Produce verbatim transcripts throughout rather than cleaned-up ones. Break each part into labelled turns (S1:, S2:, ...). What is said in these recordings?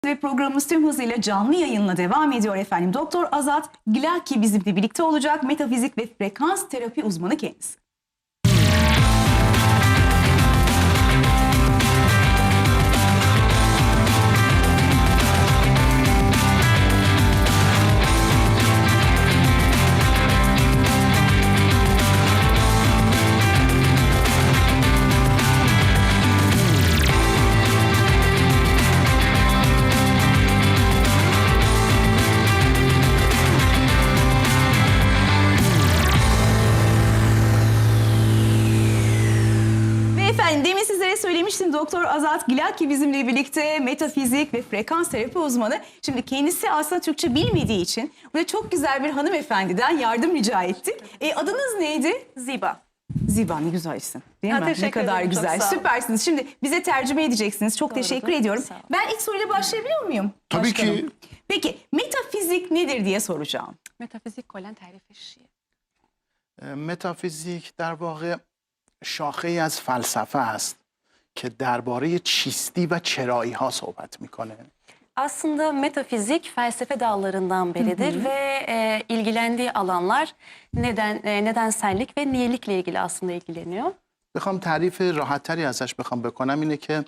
S1: Ve programımız tüm hızıyla canlı yayınla devam ediyor efendim. Doktor Azat Gilaki bizimle birlikte olacak. Metafizik ve frekans terapi uzmanı kendisi. Efendim demin sizlere söylemiştim, Doktor Azat Gilaki bizimle birlikte, metafizik ve frekans terapi uzmanı. Şimdi kendisi aslında Türkçe bilmediği için burada çok güzel bir hanımefendiden yardım rica ettik. E, adınız neydi?
S2: Ziba.
S1: Ziba, ne güzel isim değil
S2: Ha,
S1: mi? Ne kadar
S2: ederim,
S1: güzel, süpersiniz. Şimdi bize tercüme edeceksiniz. Çok
S2: Doğrudur,
S1: teşekkür ediyorum. Ben ilk soruyla başlayabiliyor muyum?
S3: Tabii
S1: Başkanım?
S3: ki.
S1: Peki metafizik nedir diye soracağım.
S2: Metafizik کلا تعریفش چیه؟
S3: متافیزیک در واقع شاخه‌ای از فلسفه است که درباره چیستی و چرایی ها صحبت میکنه.
S2: Aslında metafizik felsefe dallarından biridir hı hı. ve e, ilgilendiği alanlar neden e, nedensellik ve niyelikle ilgili aslında ilgileniyor.
S3: بخوام تعریف راحت‌تری ازش بخوام بکنم اینه که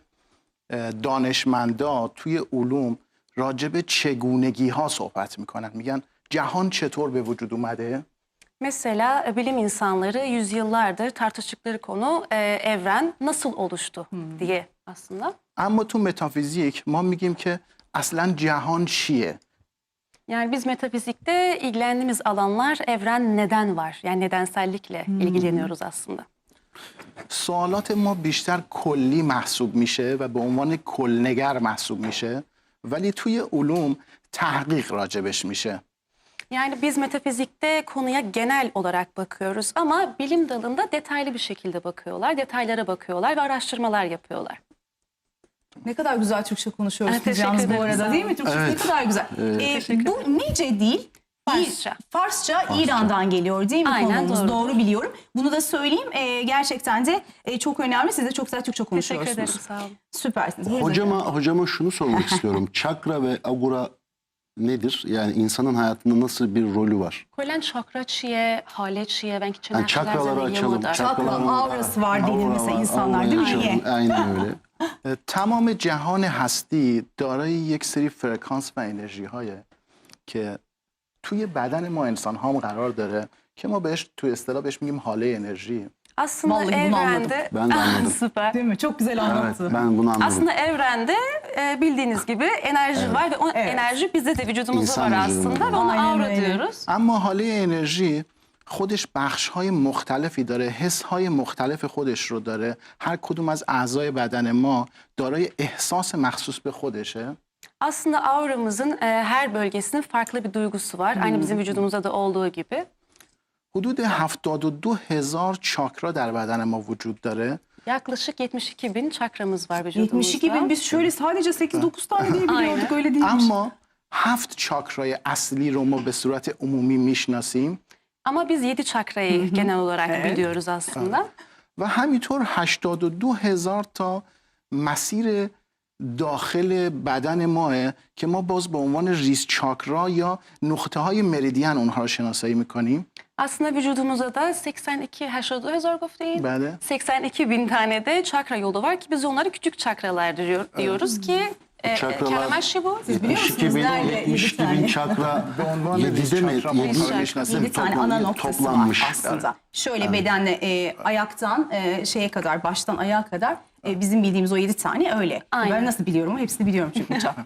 S3: دانشمندا توی علوم راجع به چگونگی ها صحبت میکنن. میگن جهان چطور به وجود اومده؟
S2: Mesela bilim insanları yüzyıllardır tartıştıkları konu e, evren nasıl oluştu hmm. diye aslında.
S3: اما تو متافیزیک ما میگیم که اصلا جهان چیه؟
S2: Yani biz metafizikte ilgilendiğimiz alanlar evren neden var? Yani nedensellikle hmm. ilgileniyoruz aslında.
S3: سوالات ما بیشتر کلی محسوب میشه و به عنوان کلنگر محسوب میشه ولی توی علوم تحقیق راجبش میشه.
S2: Yani biz metafizikte konuya genel olarak bakıyoruz ama bilim dalında detaylı bir şekilde bakıyorlar, detaylara bakıyorlar ve araştırmalar yapıyorlar.
S1: Ne kadar güzel Türkçe konuşuyoruz
S2: Evet,
S1: yalnız bu arada değil mi? Türkçe
S3: evet.
S1: ne kadar güzel.
S3: Evet.
S1: Ee, bu nece değil?
S2: Farsça.
S1: Farsça, Farsça İran'dan geliyor değil mi?
S2: Aynen,
S1: konumuz?
S2: doğru.
S1: Doğru biliyorum. Bunu da söyleyeyim. Ee, gerçekten de e, çok önemli. Siz de çok güzel Türkçe konuşuyorsunuz.
S2: Teşekkür ederim, sağ olun.
S1: Süpersiniz. Buyurun
S4: Hocama,
S1: efendim.
S4: hocama şunu sormak istiyorum. Çakra ve agura nedir? Yani insanın hayatında nasıl bir rolü var?
S2: کلا چاکرا چیه، حاله چیه و اینکه چه
S4: Yani
S2: نقشی در
S4: çakraları
S2: زندگی ما
S4: açalım.
S2: داره.
S1: Çakra,
S4: Çakraların-
S1: aurası var denir
S4: Aura
S1: mesela
S4: var,
S1: insanlar
S4: aurayı
S1: değil mi?
S4: açalım.
S1: Niye?
S4: Aynen öyle.
S3: تمام جهان هستی دارای یک سری فرکانس و انرژی هایه که توی بدن ما انسان هم قرار داره که ما بهش توی اصطلاح بهش میگیم حاله انرژی.
S2: Aslında
S1: Vallahi bunu
S2: evrende...
S4: Ben de anladım.
S2: Süper.
S1: Değil mi? Çok güzel
S4: Evet,
S1: anlattı.
S4: ben bunu anladım.
S2: Aslında evrende e, bildiğiniz gibi enerji var ve o
S1: Evet.
S2: enerji bizde de vücudumuzda
S4: İnsan
S2: var
S4: vücudunda.
S2: aslında ve ona
S1: Aynen
S2: aura
S1: öyle.
S2: diyoruz.
S3: اما حاله انرژی خودش بخش‌های مختلفی داره، حس‌های مختلف خودش رو داره. هر کدوم از اعضای بدن ما دارای احساس مخصوص به خودشه.
S2: Aslında auramızın e, her bölgesinin farklı bir duygusu var. Aynı bizim vücudumuzda da olduğu gibi.
S3: حدود هفتاد و دو هزار چاکرا در بدن ما وجود داره.
S2: Yaklaşık yetmiş iki bin çakramız var vücudumuzda.
S1: yetmiş iki bin, biz şöyle sadece sekiz dokuz tane diye biliyorduk,
S2: Aynen.
S1: öyle değilmiş.
S3: اما هفت چاکرای اصلی رو ما به صورت عمومی میشناسیم
S2: Ama biz yedi çakrayı genel olarak
S1: Evet.
S2: biliyoruz aslında.
S3: و همینطور هشتاد و دو هزار تا مسیر داخل بدن ماه که ما باز به عنوان ریز چاکرا یا نقطه های مریدین اونها رو شناسایی میکنیم.
S2: Aslında vücudumuzda da seksen iki هشتاد گفتین.
S3: بله.
S2: seksen iki bin tane de çakra yolu var ki biz onlara küçük çakralar diyor, diyoruz ki e,
S4: Çakralar-
S2: kelimesi bu.
S1: Siz biliyor musunuz?
S4: yetmiş iki bin,
S1: Nerede?
S4: yetmiş iki
S1: Yedi
S4: bin
S1: tane.
S4: çakra
S3: به عنوان
S4: yedide
S3: ریز
S4: mi?
S3: چاکرا ما
S4: Yedi-
S3: اونها رو میشناسیم.
S1: Yedi tane
S4: toplam-
S1: ana noktası
S4: toplanmış.
S1: var aslında. Şöyle bedenle e, ayaktan e, şeye kadar, baştan ayağa kadar e, bizim bildiğimiz o yedi tane öyle.
S2: Aynen.
S1: Ben nasıl biliyorum? Hepsini biliyorum çünkü çakra.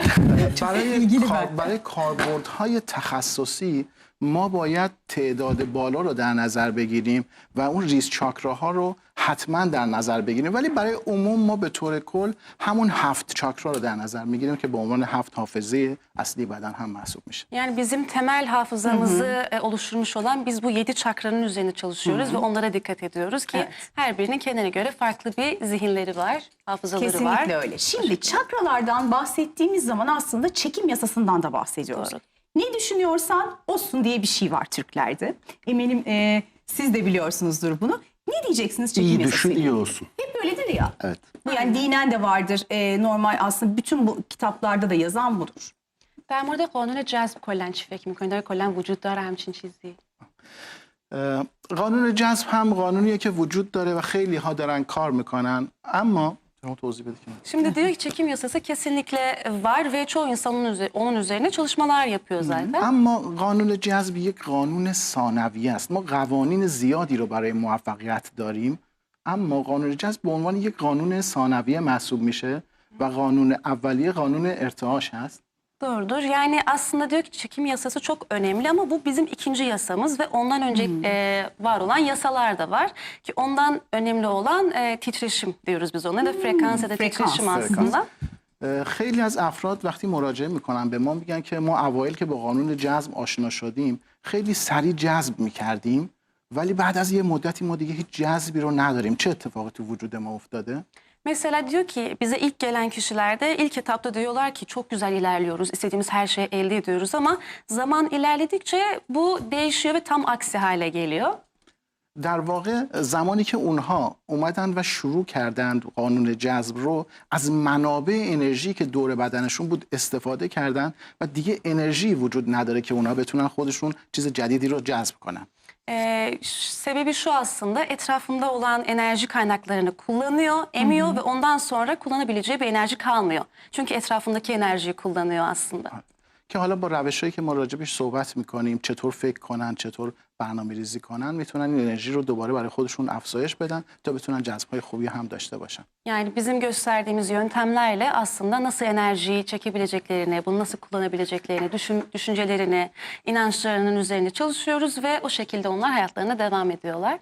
S3: برای
S1: ilgili
S3: کار-
S1: ben.
S3: برای کاربردهای تخصصی ما باید تعداد بالا رو در نظر بگیریم و اون ریز چاکراها رو حتما در نظر بگیریم ولی برای عموم ما به طور کل همون هفت چاکرا رو در نظر میگیریم که به عنوان هفت حافظه اصلی بدن هم محسوب میشه.
S2: Yani bizim temel hafızamızı e, oluşturmuş olan biz bu yedi çakranın üzerine çalışıyoruz ve onlara dikkat ediyoruz ki
S1: Evet.
S2: her birinin kendine göre farklı bir zihinleri var, hafızaları var.
S1: Kesinlikle öyle. Şimdi çakralardan bahsettiğimiz zaman aslında çekim yasasından da bahsediyoruz.
S2: Doğru.
S1: Ne düşünüyorsan olsun diye bir şey var Türklerde. Eminim e, siz de biliyorsunuzdur bunu. Ne diyeceksiniz çekim
S4: İyi düşün,
S1: yasasıyla?
S4: iyi olsun.
S1: Hep öyledir ya.
S4: Evet.
S1: Bu yani dinen de vardır. Ee, normal aslında bütün bu kitaplarda da yazan budur.
S2: در مورد قانون جذب کلا چی فکر می‌کنید؟ آیا کلا وجود داره همچین چیزی؟
S3: اه، قانون جذب هم قانونیه که وجود داره و خیلی ها دارن کار میکنن، اما شما توضیح بده که
S2: Şimdi diyor ki çekim yasası kesinlikle var ve çoğu insan onun, üze- onun üzerine çalışmalar yapıyor zaten.
S3: اما قانون جذب یک قانون ثانویه است. ما قوانین زیادی رو برای موفقیت داریم، اما قانون جذب به عنوان یک قانون ثانویه محسوب میشه و قانون اولیه قانون ارتعاش هست.
S2: Doğrudur. Yani aslında diyor ki çekim yasası çok önemli ama bu bizim ikinci yasamız ve ondan önce e, var olan yasalar da var. Ki ondan önemli olan e, titreşim diyoruz biz ona da frekans ya da
S1: Frekans,
S2: titreşim
S3: frekans.
S2: aslında.
S3: اه، خیلی از افراد وقتی مراجعه میکنن به ما میگن که ما اوایل که با قانون جذب آشنا شدیم خیلی سریع جذب میکردیم، ولی بعد از یه مدتی ما دیگه هیچ جذبی رو نداریم. چه اتفاقی تو وجود ما افتاده؟
S2: Mesela diyor ki bize ilk gelen kişilerde ilk etapta diyorlar ki çok güzel ilerliyoruz, istediğimiz her şeyi elde ediyoruz ama zaman ilerledikçe bu değişiyor ve tam aksi hale geliyor.
S3: در واقع زمانی که اونها اومدن و شروع کردند قانون جذب رو، از منابع انرژی که دور بدنشون بود استفاده کردن و دیگه انرژی وجود نداره که اونها بتونن خودشون چیز جدیدی رو جذب کنن.
S2: Ee, ş- sebebi şu aslında etrafında olan enerji kaynaklarını kullanıyor, emiyor ve ondan sonra kullanabileceği bir enerji kalmıyor. Çünkü etrafındaki enerjiyi kullanıyor aslında.
S3: که حالا با روشایی که ما راجبش صحبت میکنیم، چطور فکر کنن، چطور برنامه ریزی کنن، میتونن این انرژی رو دوباره برای خودشون افزایش بدن تا بتونن جذب‌های خوبی هم داشته باشن.
S2: Yani bizim gösterdiğimiz yöntemlerle aslında nasıl enerjiyi çekebileceklerini, bunu nasıl kullanabileceklerini, düşün, düşüncelerini, inançlarının üzerine çalışıyoruz ve o şekilde onlar hayatlarına devam ediyorlar.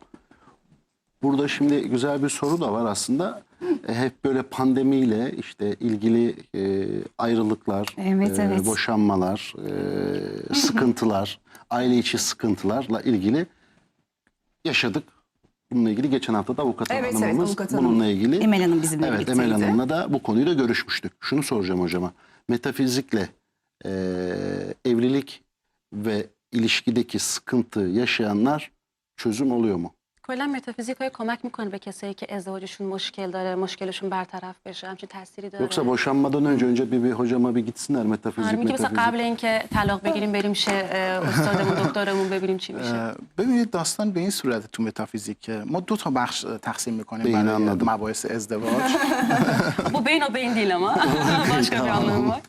S4: Burada şimdi güzel bir soru da var aslında. E, hep böyle pandemiyle işte ilgili e, ayrılıklar,
S1: Evet,
S4: e,
S1: evet.
S4: boşanmalar, e, sıkıntılar, aile içi sıkıntılarla ilgili yaşadık. Bununla ilgili geçen hafta da avukat
S1: Evet, evet,
S4: hanımımız
S1: avukat hanım.
S4: bununla ilgili.
S1: Emel Hanım bizimle
S4: Evet,
S1: birlikteydi.
S4: Emel Hanım'la da bu konuyu da görüşmüştük. Şunu soracağım hocama. Metafizikle e, evlilik ve ilişkideki sıkıntı yaşayanlar çözüm oluyor mu?
S2: کلا متافیزیک های کمک میکنه به کسایی که ازدواجشون مشکل داره، مشکلشون برطرف بشه، همچین تأثیری داره.
S4: Yoksa boşanmadan önce önce bir, bir hocama bir gitsinler metafizik
S2: آره میگه مثلا
S4: metafizik.
S2: قبل اینکه طلاق بگیریم بریم شه استادمون دکترمون ببینیم چی میشه.
S3: اه، ببینید داستان به این صورت تو متافیزیک که ما دو تا بخش تقسیم میکنیم
S4: بین
S3: برای
S4: anladım.
S3: مباحث ازدواج.
S2: Bu beyin o beyin değil ama. Başka bir anlamı var.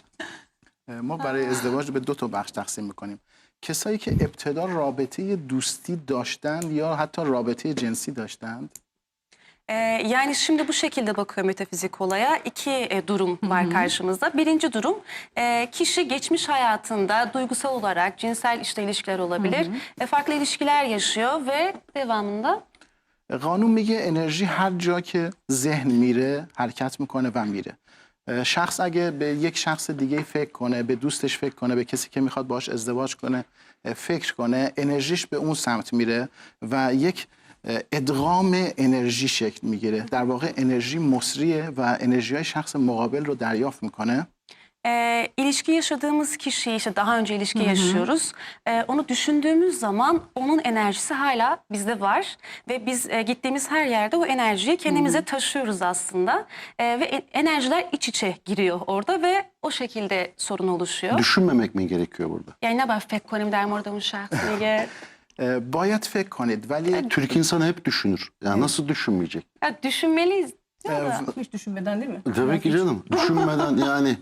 S3: ما برای ازدواج به دو تا بخش تقسیم میکنیم. کسایی که ابتدا رابطه دوستی داشتند یا حتی رابطه جنسی داشتند،
S2: Ee, yani şimdi bu şekilde bakıyor metafizik olaya. İki e, durum var karşımızda. Birinci durum e, kişi geçmiş hayatında duygusal olarak cinsel işte ilişkiler olabilir. E, farklı ilişkiler yaşıyor ve devamında
S3: قانون میگه انرژی هر جا که ذهن میره حرکت میکنه و میره. شخص اگه به یک شخص دیگه فکر کنه، به دوستش فکر کنه، به کسی که میخواد باهاش ازدواج کنه فکر کنه، انرژیش به اون سمت میره و یک ادغام انرژی شکل میگیره. در واقع انرژی مصریه و انرژی های شخص مقابل رو دریافت میکنه.
S2: e, ilişki yaşadığımız kişi işte daha önce ilişki yaşıyoruz. E, onu düşündüğümüz zaman onun enerjisi hala bizde var ve biz e, gittiğimiz her yerde o enerjiyi kendimize taşıyoruz aslında. E, ve e- enerjiler iç içe giriyor orada ve o şekilde sorun oluşuyor.
S4: Düşünmemek mi gerekiyor burada?
S2: Yani ne فکر کنیم در مورد اون شخص میگه
S3: باید فکر کنید ولی
S4: Türk insanı hep düşünür. Yani nasıl düşünmeyecek?
S2: ya düşünmeliyiz.
S1: Hiç düşünmeden değil mi?
S4: Tabii ki canım. Düşünmeden yani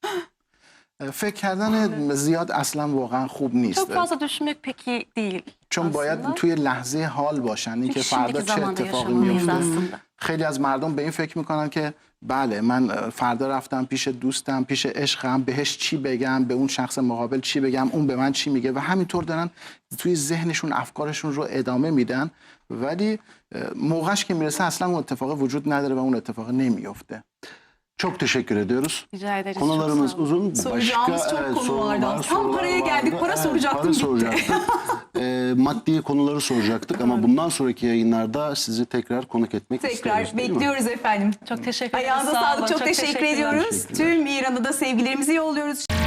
S3: فکر کردن زیاد اصلا واقعا خوب نیست.
S2: Çok fazla düşünmek pek iyi değil
S3: چون باید
S2: aslında.
S3: توی لحظه حال باشن، اینکه
S2: Çünkü
S3: فردا
S2: şimdiki
S3: چه
S2: zamanda
S3: اتفاقی
S2: yaşamalıyız
S3: میفته.
S2: aslında.
S3: خیلی از مردم به این فکر میکنن که بله من فردا رفتم پیش دوستم، پیش عشقم، بهش چی بگم، به اون شخص مقابل چی بگم، اون به من چی میگه و همینطور دارن توی ذهنشون افکارشون رو ادامه میدن، ولی موقعش که میرسه اصلا اون اتفاق وجود نداره و اون اتفاق نمیفته.
S4: çok teşekkür ediyoruz.
S2: Rica ederiz. çok
S4: Konularımız
S2: sağ olun.
S4: uzun.
S1: Soracağımız çok konu
S4: soru
S1: vardı.
S4: var,
S1: Tam
S4: sorular
S1: paraya
S4: vardı.
S1: geldik. Para soracaktım,
S4: para
S1: bitti.
S4: soracaktık. Ee, maddi konuları soracaktık ama bundan sonraki yayınlarda sizi tekrar konuk etmek isteriz.
S1: Tekrar
S4: değil mi?
S1: bekliyoruz efendim.
S2: Çok teşekkür ederiz.
S1: Ayağınıza
S2: sağ olun.
S1: sağlık. Çok, teşekkür
S2: teşekkürler.
S1: ediyoruz. Tüm İran'da da sevgilerimizi yolluyoruz.